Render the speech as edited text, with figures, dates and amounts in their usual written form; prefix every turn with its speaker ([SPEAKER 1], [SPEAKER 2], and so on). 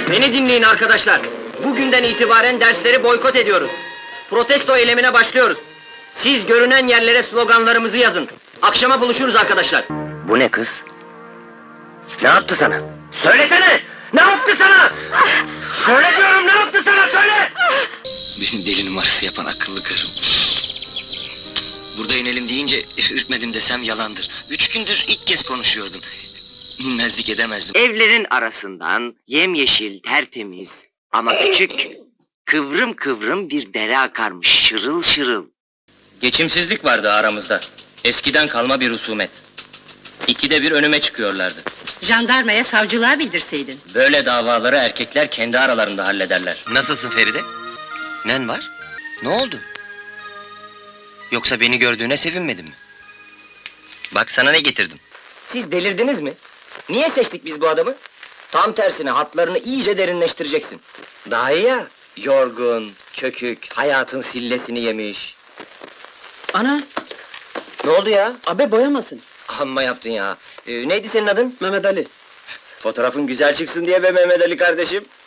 [SPEAKER 1] Beni dinleyin arkadaşlar. Bugünden itibaren dersleri boykot ediyoruz. Protesto eylemine başlıyoruz. Siz görünen yerlere sloganlarımızı yazın. Akşama buluşuruz arkadaşlar. Bu ne kız? Ne yaptı sana? Söylesene! Ne yaptı sana? Söyle diyorum, ne yaptı sana, söyle!
[SPEAKER 2] Benim deli numarası yapan akıllı karım. Burada inelim deyince ürkmedim desem yalandır. 3 gündür ilk kez konuşuyordum. İnmezlik edemezdim.
[SPEAKER 1] Evlerin arasından yemyeşil, tertemiz ama küçük, kıvrım kıvrım bir dere akarmış, şırıl şırıl. Geçimsizlik vardı aramızda. Eskiden kalma bir husumet. İkide bir önüme çıkıyorlardı.
[SPEAKER 3] Jandarmaya, savcılığa bildirseydin.
[SPEAKER 1] Böyle davaları erkekler kendi aralarında hallederler.
[SPEAKER 2] Nasılsın Feride? Nen var? Ne oldu? Yoksa beni gördüğüne sevinmedin mi? Bak sana ne getirdim.
[SPEAKER 1] Siz delirdiniz mi? Niye seçtik biz bu adamı? Tam tersine hatlarını iyice derinleştireceksin. Daha iyi ya, yorgun, çökük, hayatın sillesini yemiş.
[SPEAKER 3] Ana,
[SPEAKER 1] Ne oldu ya?
[SPEAKER 3] abe boyamasın.
[SPEAKER 1] Amma yaptın ya. Neydi senin adın?
[SPEAKER 3] Mehmet Ali.
[SPEAKER 1] Fotoğrafın güzel çıksın diye be Mehmet Ali kardeşim.